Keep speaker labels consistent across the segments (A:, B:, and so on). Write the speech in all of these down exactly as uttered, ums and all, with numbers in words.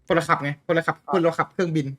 A: คนละขับไงคนละขับคนละขับเครื่องบิน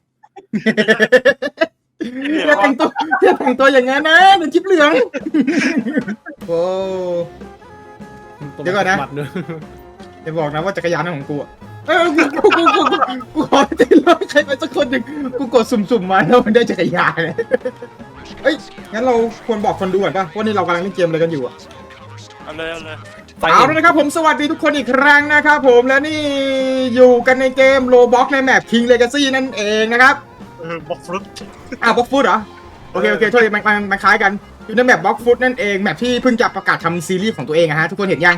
A: อย่าแต่งตัวอย่าแต่งตัวอย่างนั้นนะเดี๋ยวจิ๊บเหลืองโอ้เดี๋ยวก่อนนะอย่าบอกนะว่าจักรยานของกูเออกูกูกูกูกูขอติดรถใครไปสักคนหนึ่งกูกดสุ่มๆมาแล้วมันได้จักรยานเลยเอ้ยงั้นเราควรบอกคนดูก่อนป่ะว่านี่เรากำลังเล่นเกมอะไรกันอยู่อะ
B: เอาเลยเอาเลย
A: เอาเลยนะครับผมสวัสดีทุกคนอีกครั้งนะครับผมและนี่อยู่กันในเกมโลบ็อกในแมป King Legacy นั่นเองนะครับ
B: บล็อกฟุต
A: อ่ะบล็อกฟุตเหรอโอเคโอเคโทษทีมันมันมันคล้ายกันอยู่ในแมปบล็อกฟุตนั่นเองแมปที่เพิ่งจะประกาศทำซีรีส์ของตัวเองอะฮะทุกคนเห็นยัง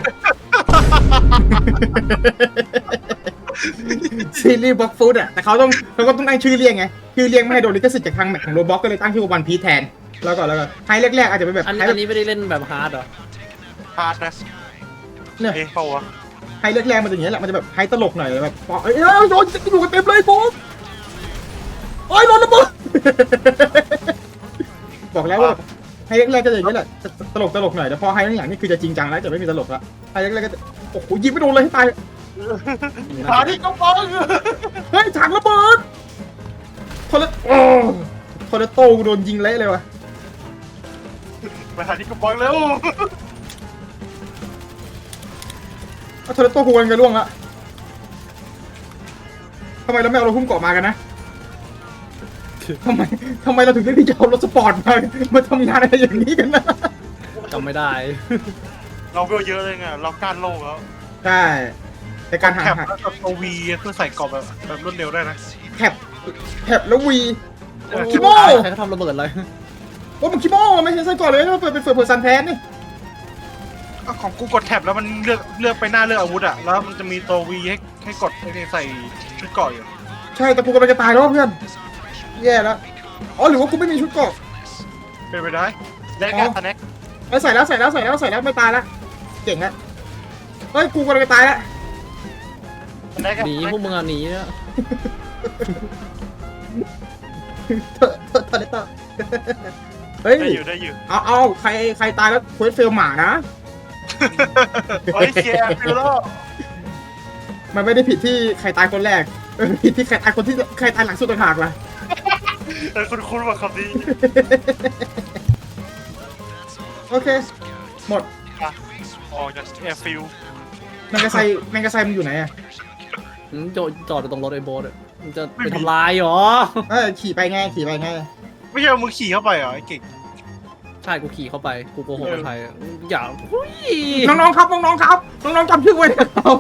A: ซีรีส์บล็อกฟุตอะแต่เขาต้องเขาก็ต้องตั้งชื่อเรียกไงชื่อเรียกไม่ให้โดนลิขสิทธิ์จากทางแมปของโลบ็อกก็เลยตั้งชื่อว่าวันพีซแทนแล้วก็แล้วก็ไฮแรกๆอาจจะเป็นแบบ
C: อันนี้ไม่ได้เล่นแบบฮาร์ดเหรอ
B: ฮาร์ดนะ
A: เนี่ย
B: เอ๊ะเปล่าวะ
A: ไฮแรกๆมันจะอย่างนี้แหละมันจะแบบไฮตลกหน่อยแบบเอ้ยโดนอยู่กันเต็มเลยปุ๊บโอ้ยโดนระเบิดบอกแล้วว่าไฮแรกๆก็จะอย่างนี้แหละตลกตลกหน่อยแต่พอไฮหลังๆนี่คือจะจริงจังแล้วจะไม่มีตลกละไฮแรกๆก็จะโอ้โหยิงไม่โดนเลยให้ตาย
B: หาที่กำบัง
A: เฮ้ยถังระเบิดทอร์เรโอ้ทอร์เรโต้โดนยิงเละเลยวะ
B: ไปหาที่กำบังเร็ว
A: ทอร์เรโต้กูกันกันล่วงละทำไมเราไม่เอารถพุ่มเกาะมากันนะทำไมทำไมเราถึงได้ที่จะเอารถสปอร์ตมามาทำงานอะไรอย่างนี้กันนะ
C: จำไม่ได้
B: เราเวลเยอะเลยไงเราก้านโลกแล้ว
A: ใช่แต่การหา
B: แคปแล้วก็ตัววีเพื่อใส่กรอบแบบแบบรวดเร็วได้นะ
A: แคปแคปแล้ววีคิโม
C: ใครเขาทำระเบิดเลย
A: ว่ามันคิโมไม่ใช่ไส้กรอกเลยเปิดเป็นเฟิร์สเพอร์ซันแทนนี่
B: ของกูกดแท็บแล้วมันเลือกเลือกไปหน้าเลือกอาวุธอ่ะแล้วมันจะมีตัววีให้ให้กดให้ใส่ชุดเกราะอยู่
A: ใช่แต่กูกำลังจะตายแล้วเพื่อนแย่แล้วอ๋อหรือว่ากูไม่มีชุดเกราะ
B: เป็นไปได้ได้การสแน็ค
A: ใส่แล้วใส่แล้วใส่แล้วใส่แล้วไม่ตายแล้วเก่งแล้วเฮ้ยกูกำลังจะตายแล้ว
C: หนีพวกมึงอ่ะหนีเนี่ย
A: เถอะเถอะเถอะเถอะเฮ้ย
B: ได้อยู่ได้อยู่
A: เอาเอาใครใครตายแล้วเควสเฟลหมานะ
B: เฮ้ยเคลียร์ฟิลโล
A: มันไม่ได้ผิดที่ใครตายคนแรกผิดที่ใครตายคนที่ใครตายหลังสุดต่างหากล่ะ
B: เออคุณคุณว่าคำนี้
A: โอเคหมด
B: ออกจากแอร์ฟิล
A: แมงกะไซแมงกะไซมันอยู่ไหนอะ
C: จอดจอดตรงรถไอ้โบ๊ทมันจะไปทำลายหรอ
A: เออขี่ไปไงขี่ไปไง
B: ไม่ใช่มึงขี่เข้าไปเหรอไอ้เก่ง
C: ใช่กูขี่เข้าไปกูโกหกใครอย่า
A: น้องๆครับน้องๆครับน้องๆจำชื่อไว้นะครับ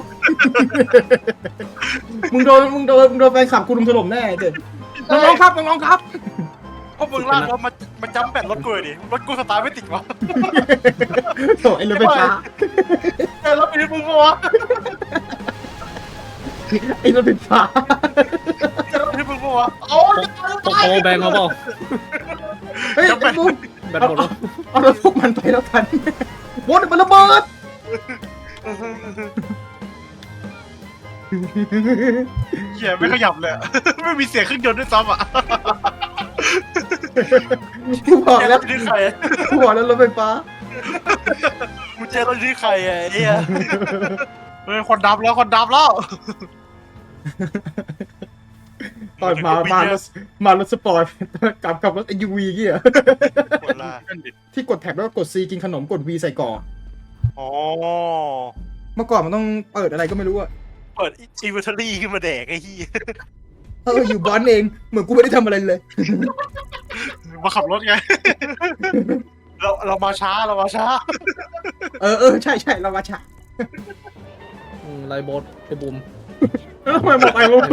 A: มึงโดนมึงโดนมึงโดนแฟนคลับกูรุมถล่มแน่เด็ดน้องๆครับน้องๆครับ
B: เพราะมึงลากรถมามาจำแบตรถกูเลยดิรถกูสตาร์ทไม่ติดวะ
A: โถ่ไอ้รถไฟฟ้า
B: ไอ้รถเป็นมึงวะ
A: ไอ้รถไฟฟ้า
B: ไอ้รถเป็นมึงวะโอ้ย
C: โตโตแบงเขาเปล่า
A: เฮ้ยไอ้บุ๊
C: แบตหมดแล้ว
A: เอารถพวกมันไปแล้วกันโบ๊ทมันระเบิด
B: เหี้ยไม่ขยับเลยไม่มีเสียงเครื่องยนต์ด้วยซ้ำอ่ะ
A: กูบอกแล้วกูบอกแล้วรถไฟฟ้า
B: กูเจอรถที่ใครไอ้เหี้ยเฮ้ยคนดับแล้วคนดับแล้ว
A: ตอนมามารถมารถสปอร์ตกับกับรถ เอส ยู วี เงี้ยที่กดแท็บแล้วกด C กินขนมกด V ใส่ก่อ
B: อ๋อ
A: เมื่อก่อนมันต้องเปิดอะไรก็ไม่รู้อะ
B: เปิดอินเวอร์เทอรี่ขึ้นมาแดกไอ้ที่
A: เอออยู่บ้านเองเหมือนกูไม่ได้ทำอะไรเลย
B: มาขับรถไงเราเรามาช้าเรามาช้า
A: เออเออใช่ใช่เรามาช้า
C: ไรโบ๊ทไอ้บูม
A: แล้วทำไมบอกไอ้บูม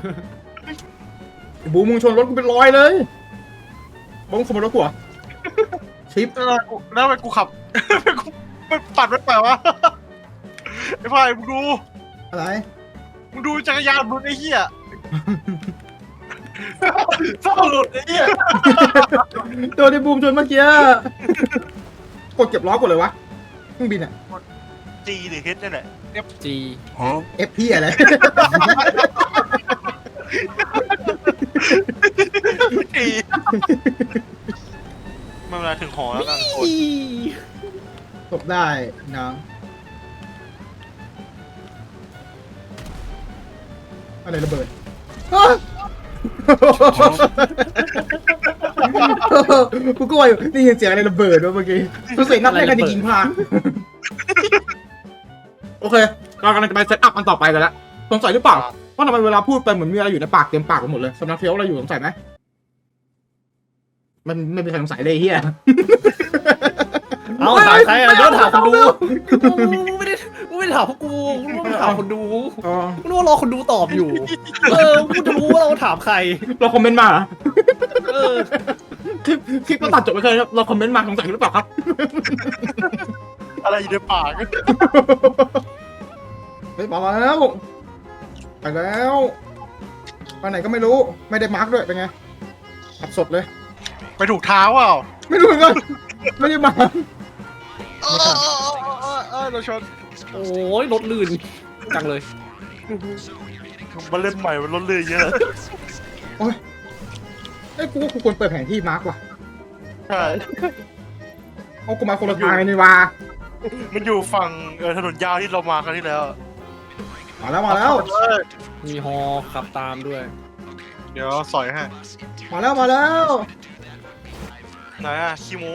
A: ไอ้บูมมึงชนรถกูเป็นร้อยเลยบูมขโมยรถกูอ่ะชิป
B: แล้วไปกูขับไม่ปัดไม่ไปวะไอ้พ่ายมึงดู
A: อะไร
B: มึงดูจักรยานมึงไอ้เหี้ยเศร้าหลุดไอ้เหี้ย
A: โดนไอ้บูมชนเมื่อกี้กดเก็บล้อกดเลยวะเครื่องบินอ่ะ
B: จีหรือเฮดนี่แหละ
C: F G
A: ฮะ F พี่อะไร
B: จีเมื่อเวลาถึงหอแล้วกันคน
A: ตบได้นะเออะไรระเบิดฮะกูก็ว่าอยู่นี่ยินเสียงอะไรระเบิดวะเมื่อกี้กูเสียงนับแรกกันจะยิงพลาดโอเคเรากำลังจะไปเซตอัพอันต่อไปกันแล้วสงสัยหรือเปล่าว่าทำไมเวลาพูดไปเหมือนมีอะไรอยู่ในปากเต็มปากไปหมดเลยสำนักเฟี้ยวอะไรอยู่สงสัยไหมมันไม่มีใครสงสัยเลยเฮีย
C: เอาถามใครอะโดนถามคนดูกูไม่ได้กูไม่ได้ถามพวกกูกูไม่ได้ถามคนดู
A: อ๋อ
C: กูนึกว่ารอคนดูตอบอยู่เออกูจะรู้ว่าเราถามใคร
A: เราคอมเมนต์มาเหรอ
C: เออ
A: คลิปคลิปก็ตัดจบไปเลยครับเราคอมเมนต์มาสงสัยหรือเปล่าครับ
B: อะไรอยู่ในปาก
A: เฮ้ยมาแล้วไปแล้วไปไหนก็ไม่รู้ไม่ได้มาร์กด้วยเป็นไงขับสดเลย
B: ไปถูกเท้าเปล่า
A: ไม่รู้เหมือนกันไม่ได้มาร์ก
B: เออเออเออเออเราชน
C: โอ้ยรถลื่นจังเลย
B: มาเล่นใหม่มันลดเลยเยอะ
A: โอ้ยไอ้ยกูว่ากูควรเปิดแผนที่มาร์กว่ะ
B: ใช่
A: เอากูมาคนละทางเลยนี่ว่า
B: มันอยู่ฝั่งเออถนนยาวที่เรามาครั้งที่แล้ว
A: มาแล้วมาแล้ว
C: มีฮอขับตามด้วย
B: เดี๋ยวสอยให้
A: มาแล้วมาแล้ว
B: ไหนอะคิโม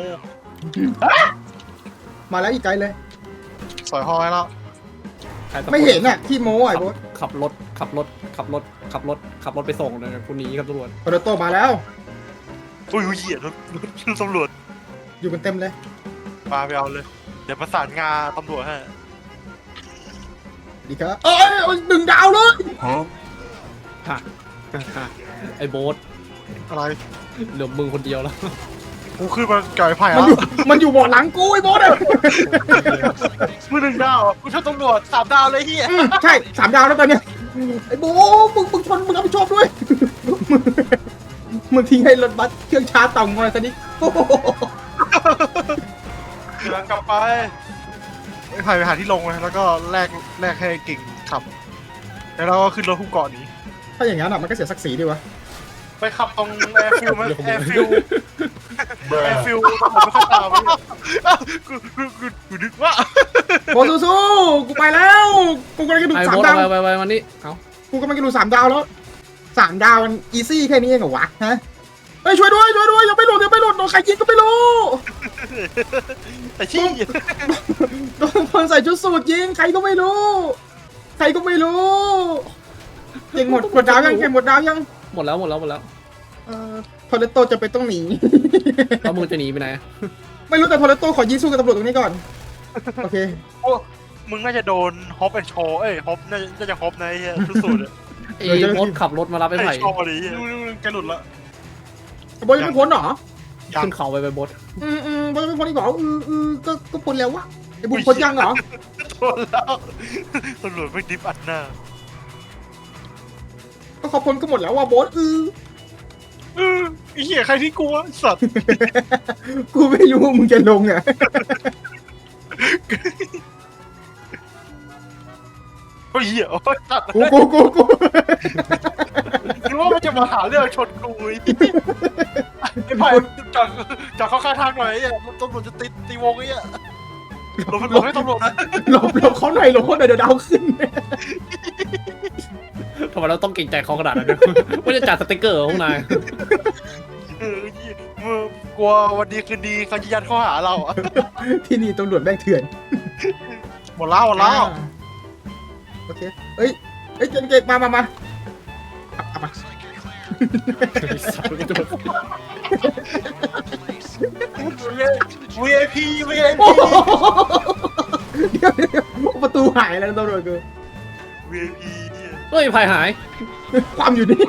A: มาแล้วอีกไกลเลย
B: สอยหอยแล้ว
C: ใครตะโก
A: ไม่เห็นน่ะที่โม้ไอ้โบ๊ท
C: ขับรถขับรถขับรถขับรถขับรถไปส่งเลยคุณหนีครับตำรวจ
A: โปรโตมาแล้ว
B: อุ้ยเหยียดรถรถตำรวจ
A: อยู่กันเต็มเลย
B: มาไปเอาเลย เดี๋ยวประสานงานตำรวจให้
A: ดีครับเอ้ยเอาหนึ่งดาวเลย
C: ฮะไอ้โบ๊ท
B: อะไร
C: เหลือมึงคนเดียวแล้ว
B: กูขึ้นมาไก่ไผ่
A: มัน
B: แล้ว
A: อยู่มันอยู่เบาะหลังกูไอ้โบ๊ทอะ
B: มือหนึ่งดาวอะกูชอบตำรวจสามดาวเลยเฮีย
A: อืมใช่สามดาวแล้วตอนเนี้ยไอ้โบ๊ทมึงมึงชนมึงรับผิดชอบด้วยมึงมึงทิ้งให้รถบัสเครื่องชาร์จต่ำมาซะนี่โอ้โห
B: กำลังกลับไปไอ้ไผ่ไปหาที่ลงเลยแล้วก็แลกแลกให้กิ่งขับ แล้วเราก็ขึ้นรถหุ้มเกาะหนี้
A: ถ้าอย่างนั้นอะมันก็เสียศักดิ์ศรีดีวะ
B: ไปขับตรงแอร์ฟิลไหมแอร์ฟิลแอร์ฟิลผมไม่ค่อยตามกูกูกูกูนึกว่า
A: โบ๊ทสู้ๆกูไปแล้วกูกำลังจะดู
C: ไอ้
A: สาม
C: โบ๊ท
A: ดาว
C: ไปไปไปวันนี้เอา
A: กูกำลังจะดูสามดาวแล้วสามดาวมันอีซี่แค่นี้เองเหรอวะฮะเฮ้ยช่วยด้วยช่วยด้วยยังไม่หลุดยังไม่หลุดโดนใครยิงก็ไม่รู้
B: ไอ้ชี้
A: โดนคนใส่ชุดสูทยิงใครก็ไม่รู้ ใครก็ไม่รู้เก่งหมดหมดดาวยังเก่งหมดดาวยัง
C: หมดแล้วหมดแล้วหมดแล้ว
A: เอ่อทอร์เรโตจะไปต้องหนี
C: แล้วมึงจะหนีไปไหน
A: ไม่รู้แต่ทอร์เรโตขอยิงสู้กับตำรวจตรงนี้ก่อนโอเค
B: มึงน่าจะโดนฮอปแอนโชเอ้ยฮอปน่าจะฮอปนะไอ้เหี้ยสุดๆเลย
C: ไอ้โบ๊ทขับรถมารับไอ้
B: ไอ้
C: ไผ่
B: โชว์ดิดูดูแกหลุดละ
A: บอยยังไม่พ้นเหรอ
C: ขึ้นเขาไปไปโบ๊ท
A: อืมอืมบอยยังไม่พ้นอีกเหรออืออือก็ก็พ้นแล้ววะไอ้บุญพ้นยังเหรอ
B: โดนแล้วตำรวจไม่ดิฟอัดหน้า
A: ก็เขาพ้นก็หมดแล้วว่ะโบ๊ทอือ
B: เออไอ้เหี้ยใครที่กลัวสัตว์
A: กูไม่รู้มึงจะลงอ่ะ
B: โอ้ยเหี้ยโอ้ยสัตว์
A: กูกูกูกู
B: คิดว่ามันจะมาหาเรื่องชนกูไอ้ไอ้ไผ่จอดจอดเข้าข้างทางหน่อยไอ้เหี้ยตำรวจจะติดตีวงไอ้เหี้ยหลบหลบให้ตำรวจนะ
A: หลบหลบเขาหน่อยหลบเขาหน่อยเดี๋ยวดาวขึ้น
C: ทำไมเราต้องเกรงใจเขาขนาดนั้นด้วยไม่จะจัดสติ๊กเกอร์ของพวกนาย
B: เออมึงกลัววันดีคืนดีเขาจะยัดข้อหาเราอะ
A: ที่นี่ตำรวจแม่งเถื่อน
B: หมดแล้วหมดแล้ว
A: โอเคเอ้ยเอ้ยเก่งเก่งมามามาเอามา
B: วี ไอ พี วี ไอ
A: โอ้
B: พี
A: โหเดี๋ยวเดี๋ยวประตูหายแล้วตำรวจกู
B: วี ไอ พี
C: เฮ้ยไผ่หาย
A: ความอยู่นี่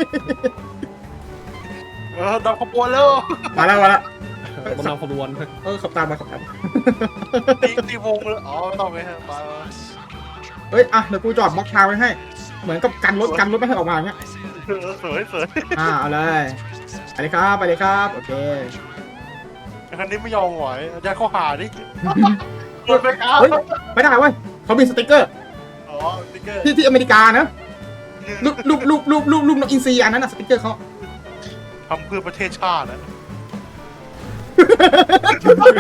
B: เออดับขบวนแล้ว
A: มาแล้วมาแล้ว
C: กำลังขบวน
A: เออขับตามมาขับตามมา
B: ตีตีวงเลยอ๋อไม่ต้องไปฮะไป
A: เฮ้ยอ่ะเดี๋ยวกูจอดบล็อกทางไว้ให้ เหมือนกับกันรถกันรถไม่ให้ออกมาอย่างเงี้ย
B: สวยสวย
A: อ่าเอาเลยไปเลยครับไปเลยครับโอเค
B: คันนี้ไม่ยอมไหวยัดข้อหาดิโดนไปครับ
A: เฮ้ยไม่ได้เว้ยเขามีสติ๊กเกอร์
B: อ๋อติ๊กเกอร์
A: ที่ที่อเมริกานะรูปรูปรูปรูปรูปรูปนกอินทรีอันนั้นน่ะสติ๊กเกอร์เขา
B: ทำเพื่อประเทศชาตินะ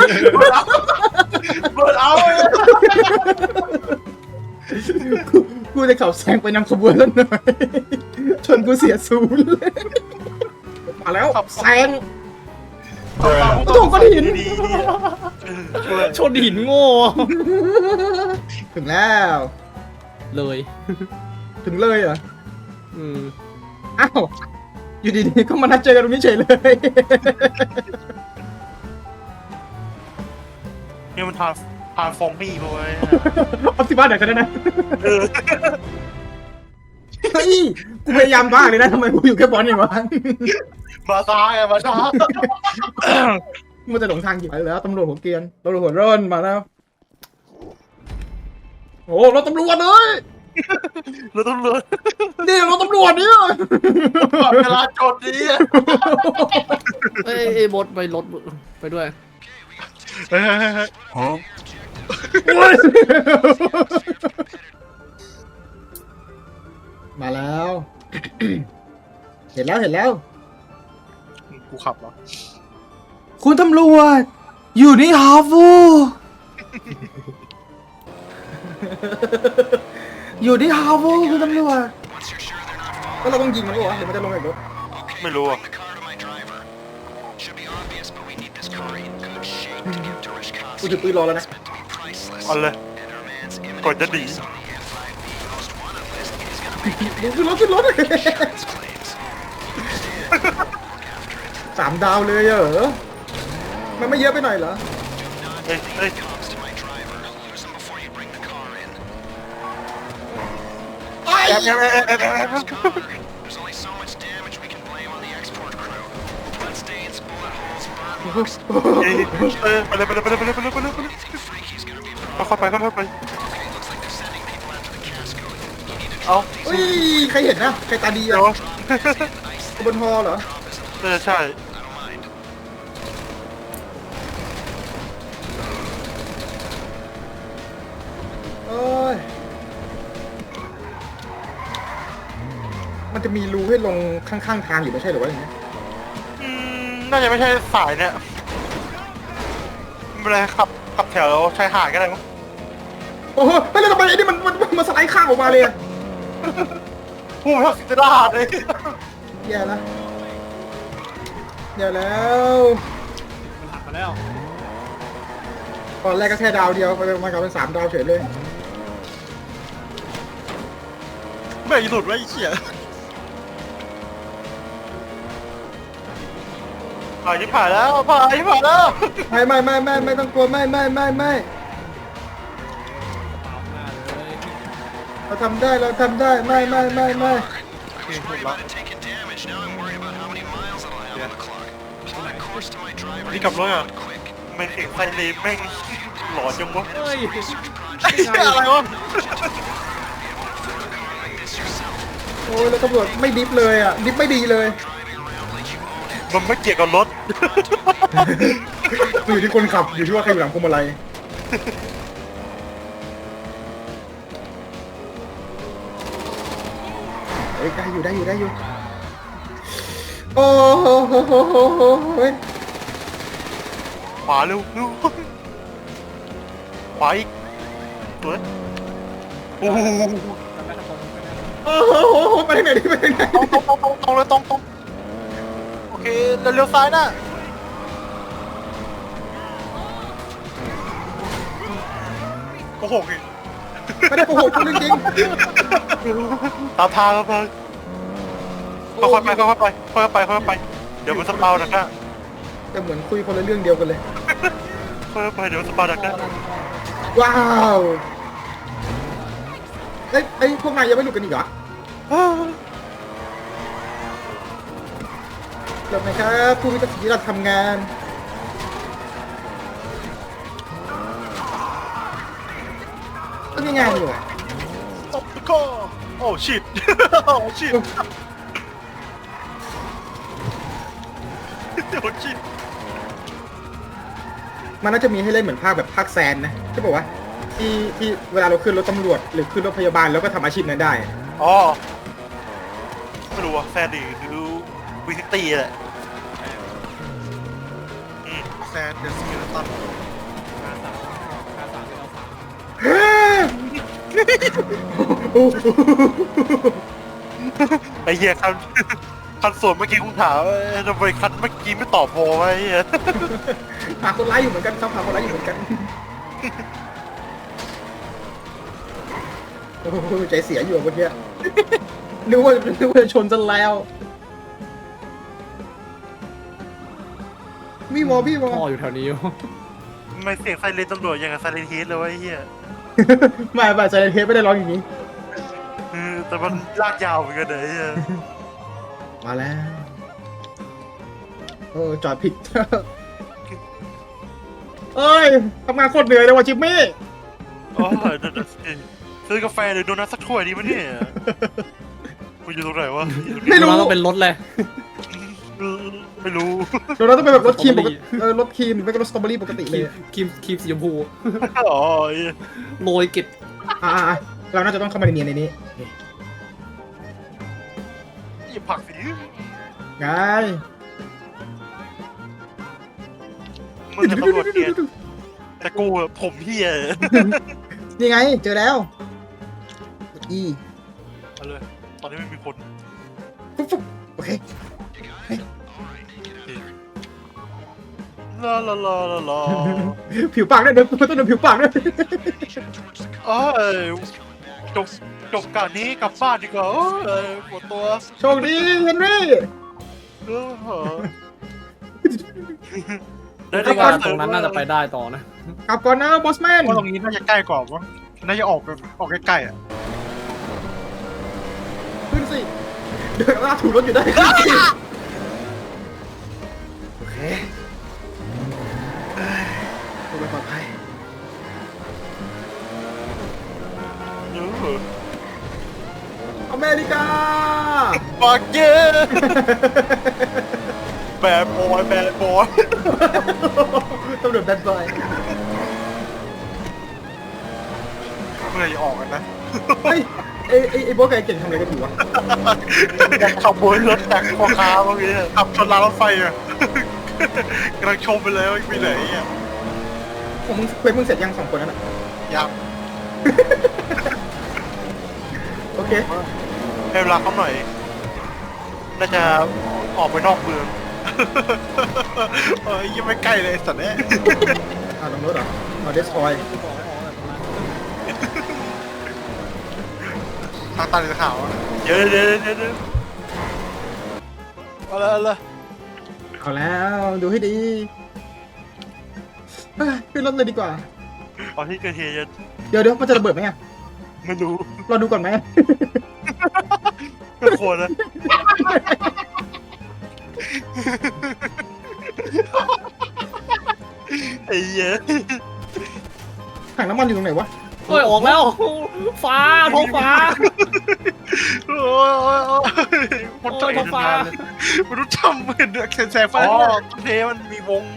B: เบิร์ดเอาเลย
A: กูกูจะขับแซงไปนำขบวนแล้วหน่อยชนกูเสียศูนย์เลยมาแล้วแซง โอ้โหก้อนหิน
C: ชนหินโง่
A: ถึงแล้ว
C: เลย
A: ถึงเลยเหรอ
C: อืม
A: อ้าวอยู่ดีๆก็มานัดเจอกันตรงนี้เฉยเลย
B: นี่มันทานทานฟองมี่ไปเว้ย
A: ออฟซิบ้านไหนกันนะ
B: เออ
A: เฮ้ยกูพยายามบ้างเลยนะทำไมกูอยู่แค่บอลอย่างวะ
B: มาตายอะมาตาย
A: มันจะหลงทางอยู่แล้วตำรวจหัวเกรียนตำรวจหัวร่นมาแล้วโอ้รถตำรวจเลย
B: เราต้องเลือน
A: นี่รถตำรวจเนี่ย
B: ก่อนเวลาจดนี้
C: เอ้ยเอ้ยบดไปรถไปด้วย
B: เฮ้ยเฮ้ยเฮ้ย
A: โอ้ยมาแล้ว เห็นแล้วเห็นแล้ว
B: กูขับเหรอ
A: คุณตำรวจอยู่นี่ฮาฟู อยู่ที่ฮาฟูคุณตำรวจก็เราต้องยิงมันหรอเดี๋ยวมันจะลงจากรถ
B: ไม่รู้อ่ะ
A: กูถือปืนรอแล้วนะ
B: เอาเลยก่อนจะหนี
A: ขึ้นรถขึ้นรถสามดาวเลยเหรอมันไม่เยอะไปหน่อยเหรอ
B: เฮ้ยเฮ้ย
A: ไอ้
B: แอบแอบแอบแอบแอบ
D: There's only so much damage we can blame on the export crew. Blood stains, bullet holes, burn
B: เฮ้ยเออไปเลยไปเลยไปเลยไปเลยไปเลยไปเลยไปเลย
D: freaky's gonna be
B: เข้าไปเข้าไป
D: okay. Looks like they're sending people after the casco. You need to
B: เอา
A: เฮ้ยใครเห็นนะใครตาดี
B: เดี๋
A: อ่ะ
B: ยว
A: บนฮอเหรอ
B: เออใช่
D: I don't mind.
A: โอ้ยมันจะมีรูให้ลงข้างๆทางอยู่ไม่ใช่หรือว่าอย่างเงี้ย
B: อืมน่าจะไม่ใช่สายเนี่ยไม่เป็นไรขับขับแถวชายหาดก็ได้มั้ง
A: โอ้โหไปเลยทำไมไอ้นี่มันมันมันสไลด์ข้างออกมาเลยอะ
B: พูดว่าสิจะได้เลย
A: แย่แล้วแย่แล้ว
C: มันหักมาแล้ว
A: ตอนแรกก็แค่ดาวเดียวไปมากลายเป็นสามดาวเฉยเลย
B: ไม่หลุดไว้ไอ้เหี้ยผ่านที่ผ่านแล้วผ่านที่ผ่านแล้ว
A: ไม่ไม่ไม่ไม่ไม่ต้องกลัวไม่ไม่ไม่ไม่
C: เปล่าหน้าเลย
A: เราทำได้เราทำได้ไม่ไม่ไม่ไม่
D: I was worried about it taking damage. Now I'm worried about how many miles it'll have on the clock. Apply course to my driver.
B: นี่กลับรถอ่ะ
D: Quick.
B: ไม่เสียงไซเรนแม่งหลอนจังวะ
C: เฮ้ย
B: ไอ้เหี้ยอะไรวะ
A: โอ้ยแล้วตำรวจไม่ดิฟเลยอ่ะดิฟไม่ดีเลย
B: มันไม่เกี่ยวกับรถ
A: มันอยู่ที่คนขับอยู่ที่ว่าใครอยู่หลังพวงมาลัยเฮ้ยได้อยู่ได้อยู่ได้อยู่โอ้โหโหโหโหโหเฮ้ย
B: ขวาเร็วเร็วขวาอีกตัวโอ้โห
A: โอ้โหโหโหไปทางไหนดิไปทางไหน
B: ตรงตรงตรงตรงตรงเลยตรงตรงโอเคเร็วซ้ายนะโอ้โห
A: ไม่ได้โกหกคุณจริง
B: ตามทางครับเพื่อนค่อยๆไปค่อยๆไปค่อยๆไปค่อยๆไปเดี๋ยวมันสปาวดักหน้า
A: ๆแต่เหมือนคุยคนละเรื่องเดียวกันเลย
B: ค่อยๆไปเดี๋ยวมันสปาวดักหน้า
A: ว้าวเอ้ยเอ้ยพวกนายยังไม่หลุดกันอีกเหรอเริ่มไหมครับผู้มีตะกี้เราทำงานก็มีงานอยู่
B: ตบก็โอ้ชิดโอ้ชิดโอ้ชิด
A: มันน่าจะมีให้เล่นเหมือนภาคแบบภาคแซนนะใช่ป่าวะที่ที่เวลาเราขึ้นรถตำรวจหรือขึ้นรถพยาบาลแล้วก็ทำอาชีพนั้นได้
B: อ๋อไม่รู้ว่าแซนดี้หรือวิซิตี้แหละอืมแซนเดอะซีรีส์ตัน
C: ขาสามขาสามเป็นเอาสาม
A: เฮ้ย
B: ไอ้เหี้ยคันคันส่วนเมื่อกี้คุณถามว่าทำไมคันเมื่อกี้ไม่ตอบพอวะไอ้เหี้ย
A: หาคนร้ายอยู่เหมือนกันครับหาคนร้ายอยู่เหมือนกันโอ้โหใจเสียอยู่เมื่อกี้นึกว่านึกว่าจะชนซะแล้ว มีวอพี่วอ
C: พ่ออยู่แถวนี้อยู่
B: ไม่เสียงไซเรนตำรวจอย่างกับไซเรนเฮดเลยวะไอ้เหี้ย
A: ไม่ไม่ใจเทปไม่ได้ร้องอย่างนี้
B: เออแต่มันลากยาวเหมือนกันเลยไอ้เหี้ย
A: มาแล้วเออจอดผิด เอ้ยทำงานโคตรเหนื่อยเลยว่ะจิมมี่
B: โอ้ยเดี๋ยวๆซื้อกาแฟหรือโดนัทสักถ้วยดีมั้ยเนี่ยกูอยู่ตรงไหนวะ
A: ไม่รู้
C: มันต้องเป็นรถเลย
B: ไม่รู้
A: เดี๋ยวเราต้องเป็นแบบรถครีมปกติเออรถครีมหรือไม่ก็รถสตรอเบอรี่ปกติเลย
C: ครีมครีมสีชมพู
B: อ๋อ
C: โรยเกล็ด
A: อ่าเราน่าจะต้องเข้ามาในเนียนในนี้
B: หยิบผักสิ
A: ไง
B: มึงจะตำรวจเนี่ยแต่กูอะผมเฮีย
A: นี่ไงเจอแล้วอี
B: เอาเลยตอนนี้ไม่มีคน
A: ฟุ๊บฟุ๊บโอเค
B: ลาลาลาลาลา
A: ผิวปากด้วยเดี๋ยวต้องดูผิวปากด้วย
B: เอ้ยจบจบการนี้กลับบ้านดีกว่าเอ้ยปวดตัว
A: โชคดีเฮนรี่
B: เออเหรอ
C: แต่ว่าตรงนั้นน่าจะไปได้ต่อนะ
A: กลับก่อนนะบอสแมน
B: ว่าตรงนี้น่าจะใกล้กว่ามั้งน่าจะออกแบบออกใกล้ๆอ่ะ
A: ขึ้นสิเดินลากถูกรถอยู่ได้โอเคตัวปลอดภัย
B: เออ
A: อเมริกา
B: บักเย่แบดบอยแบดบอย
A: ตำรวจแบดบอย
B: เมื่อไหร่จะออกกันนะ
A: เฮ้ยไอ้ไอ้ไอ้โบ๊ทกับไอ้เก่งทำอะไรกันอยู่วะ
B: ขับวนรถจากพ่อค้าเมื่อกี้ขับชนรางรถไฟอ่ะกำลังชมไปเลยว่ามีไหนอ่ะ
A: ผมมึงเควสมึงเสร็จยังสองคนนั้นอ่ะ
B: ยัง
A: โอเค
B: ให้เวลาเขาหน่อย น่าจะออกไปนอกเมืองเอ้ยยังไม่ใกล้เลยสัตว์เนี่ย
A: อ่าลงรถเหรอมาเดสทอย
B: ทางตันสีขาวอะเดี๋ยวเดี๋ยวเดี๋ยวเดี๋ยวเอาละเอาละ
A: เอาแล้วดูให้ดีเฮ้ยขึ้นรถเลยดีกว่า
B: เอาที่เกิดเหตุ
A: เดี๋ยวเดี๋ยวมันจะระเบิดไหมอ่ะ
B: ไม่รู้
A: เราดูก่อนไหม
B: ไม่ควรนะไอ้เหี้ย
A: ถังน้ำมันอยู่ตรงไหนวะ
C: เฮ้ยออกแล้ว ฟ้าท้องฟ้า
B: โอ้ยโอ้ยโอ้ยมันต้อง
C: โอ้ยท้องฟ้า
B: มันต้องทำเหมือนเดือดแสงไฟอ๋อต้นเพมันมีวง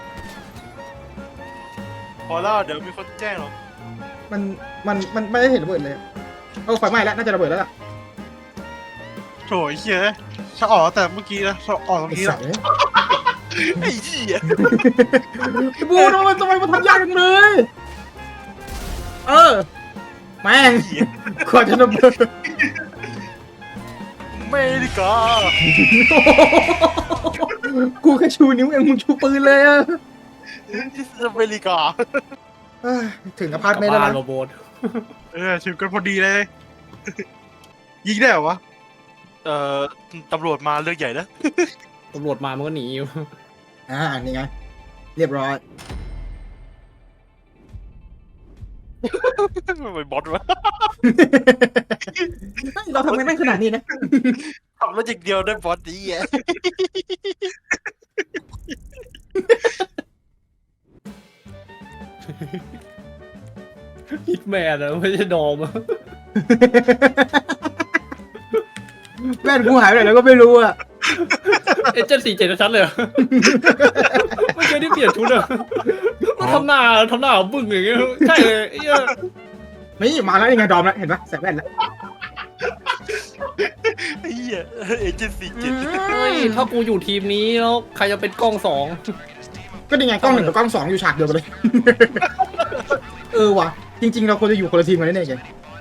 B: พอแล้วเดี๋ยวมีคนแจ้งหรอก
A: มันมันมันไม่ได้เห็นระเบิดเลยเออไฟไหม้แล้วน่าจะระเบิดแล้วล่ะ
B: โถไอ้เหี้ยถ้าออกแต่เมื่อกี้นะถ้าออกตรง
A: ไอ้
B: นี้
A: สั
B: นะ
A: ตว์เนี่ย
B: ไอ้เหี้ย
A: ไอ้บูทำไมทำไมมันทำยากจังเลย เออแม่งกว่าจะระเบิด
B: อเมริกา
A: กูแค่ชูนิ้วเองมึงชูปืนเลยอะ
B: ที่อเมริกา
A: เอ้ยถึงอพาร์ต
C: กลับ
A: เมนต์แล้ว
C: บ้าน
A: นะ
C: โรโบท
B: เออถึงกันพอดีเลย ยิงได้เหรอวะ เอ่อตำรวจมาเรื่องใหญ่นะ
C: ตำรวจมามันก็หนีอยู่
A: อ่านี่ไงเรียบร้อย
B: มันเป็นบอสวะ
A: เราทำกันได้ขนาดนี้นะ
B: ทำแล้วอย่างเดียวได้บอสดีอ่ะ
C: ฮิตแมนอะไม่ใช่ดอมอะ
A: แม่นกูหายไปไหนแล้วก็ไม่รู้อะ
C: เอเจนต์สี่เจ็ดชัดเลยเหรอไม่เคยได้เปลี่ยนชุดอะมันทำหน้าทำหน้าบึ้งอย่างเงี้ยใช่เลยไอ้เหี้ย
A: นี่มาแล้วยังไงดอมแล้วเห็นปะใส่แว่นแล้ว
B: ไอ้เหี้ยเอเจนซี่เจ็ด
C: เฮ้ยถ้ากูอยู่ทีมนี้แล้วใครจะเป็นกล้องสอง
A: ก็นี่ไงกล้องหนึ่งกับกล้องสองอยู่ฉากเดียวกันเลย เออว่ะจริง ๆ เราควรจะอยู่คนละทีมกันแน่ๆไง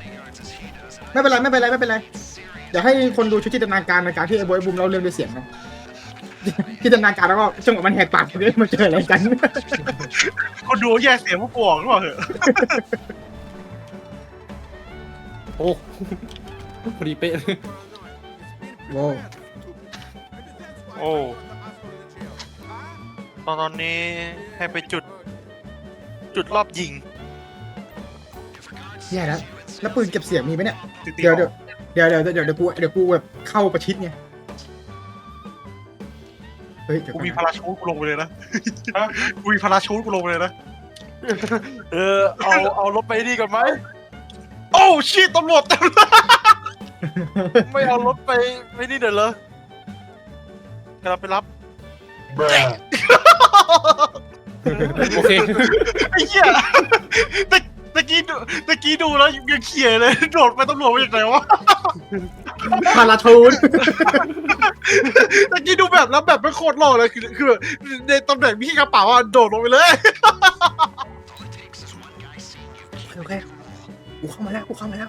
A: ไม่เป็นไรไม่เป็นไรไม่เป็นไรเดี๋ยวให้คนดูช่วยจินตนาการในการที่ไอ้บอยบูมเราเรื่องด้วยเสียงนะจินตนาการแล้วก็จังหวะมันแหกปากเลยมาเจออะไรกัน
B: คนดูแยกเสียงพวกกูออกหรือเปล่าเหรอ
C: โอ้พอดีเป๊ะเลย
A: โว้
B: โอ้ตอนตอนนี้ให้ไปจุด จุดรอบยิง
A: แย่แล้วแล้วปืนเก็บเสียงมีไหมเนี่ย
B: ตี
A: เดี๋ยวเดี๋ยวเดี๋ยวเดี๋ยวเดี๋ยวเดี๋ยวกูเดี๋ยวกูแบบเข้าประชิดไงเฮ้ยเดี๋ยว
B: กู
A: ก่อน
B: มี
A: นะ
B: พาราชูทกูลงไปเลยนะกูมีพาราชูทกูลงไปเลยนะเออเอาเอารถไปนี่ก่อนไหมโอ้ชิตตำรวจเต็มเลยไม่เอารถไปไม่นี่เดี๋ยวเลยกำลังไปรับ
C: โอเค
B: ไอ้เหี้ยตะตะกี้ดูตะกี้ดูแล้วยังเขี่ยเลยโดดไปตำรวจมาจากไหนวะ
A: พาราชูน
B: ตะกี้ดูแบบแล้วแบบไม่โคตรหล่อเลยคือคือแบบในตำแหน่งพี่กระเป๋าอ่ะโดดลงไปเลย
A: โอเคกูเข้ามาแล้วกูเข้ามาแล้ว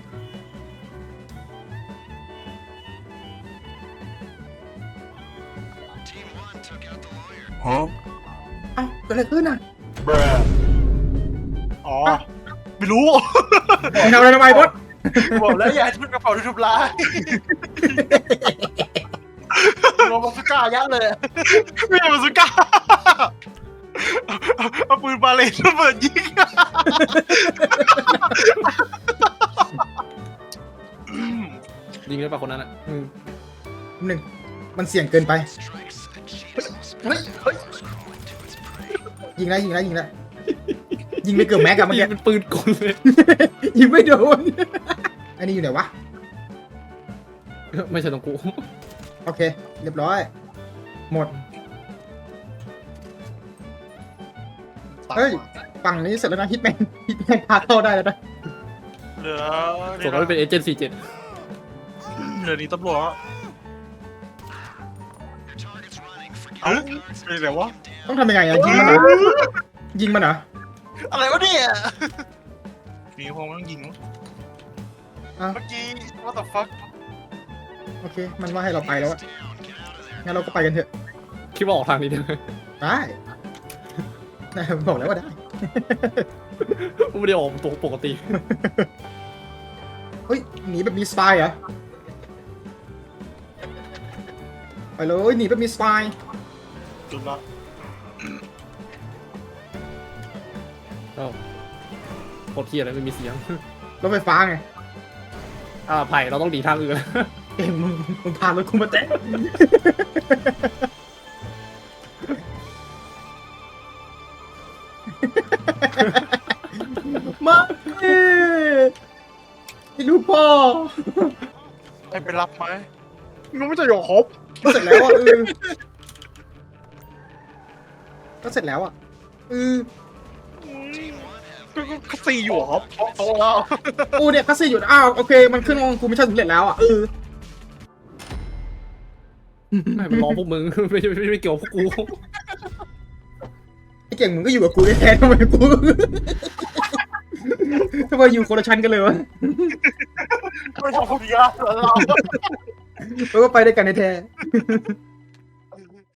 D: Team one took out the lawyer.
A: เอ้าเกิดอะไรขึ้นอ่ะ
B: อ๋อไม่รู้
A: มึงทำอะไรทำไมบอส
B: บอกแล้วอย่าให้ทุกกระเป๋าทุบร้ายลงมาสุก้ายัดเลยไม่ใช่มาสุก้าเอาปืนบาเลนระเบิดยิง
C: ยิงได้ป่ะคนนั้นอ่ะอืม
A: หนึ่งมันเสี่ยงเกินไป
B: เฮ้ยเฮ้ย
A: ยิงแล้วยิงแล้วยิงแล้วยิงไม่เกือบแม็กกับเมื่อ
C: ยิ
A: กี้
C: งเป็นปืนกลเลย
A: ยิงไม่โดนอันนี้อยู่ไหนวะ
C: ไม่ใช่ตรงกู
A: โอเค เรียบร้อย หมด เฮ้ย ฝั่งนี้เสร็จแล้วนะฮิตแมนฮิตแมนพาเข้าได้แล้วนะ
B: เหลือ
C: ส่วนเราเป็นเอเจนต์สี่เจ็ด
B: เหลือนี่ตำรวจเอ้าเป็นไรวะ
A: ต้องทำยังไงอะยิงมันเหรอยิงมันเหรอ
B: อะไรวะเนี่ยมีคงต้องยิงมั้ง
A: อ้าว
B: เมื่อกี้ what the fuck
A: โอเค มันว่าให้เราไปแล้วอะงั้นเราก็ไปกันเถอะ
C: คิดว่าออกทางนี้ได้ไหม
A: ได้นะบอกแล้วว่าได้
C: ไม่ได้ออกตัวปกติ
A: เฮ้ย หนีแบบมีสไตล์เหรอ ไปเลยหนีแบบมีสไตล์
B: จุดละ
C: ก็โคตรเที่ยเลยไม่มีเสียง
A: รถไฟฟ้าไง
C: อ่าไผ่เราต้องดีทางอื่น
A: เอ็มมึงมึงพารถกูมาแตะ มาเอ้ยลูกพ่อ
B: ให้ไปรับไหมมึงไม่จะอยู่ครบ
A: ก็เสร็จแล้วอ่ะเออก็เสร็จแล้วอ่ะเออ
B: ก็ก็สี่อยู่ครับโตแล้ว
A: กูเนี่ยก็สี่อยู่อ้าวโอเค มันขึ้นของกูไม่ใช่สำเร็จแล้วอ่ะเออ
C: ไม่มันรอพวกมึง ไม่ไม่ไม่เกี่ยวกับพวกกู
A: ไอ้เก่งมึงก็อยู่กับกูแท้ๆทำไมกู ทำไมอยู่คนละชั้นกันเลยวะ
B: ไม่ทำคนเดียวเรา
A: เราก็ไปด้วยกันแท้ๆ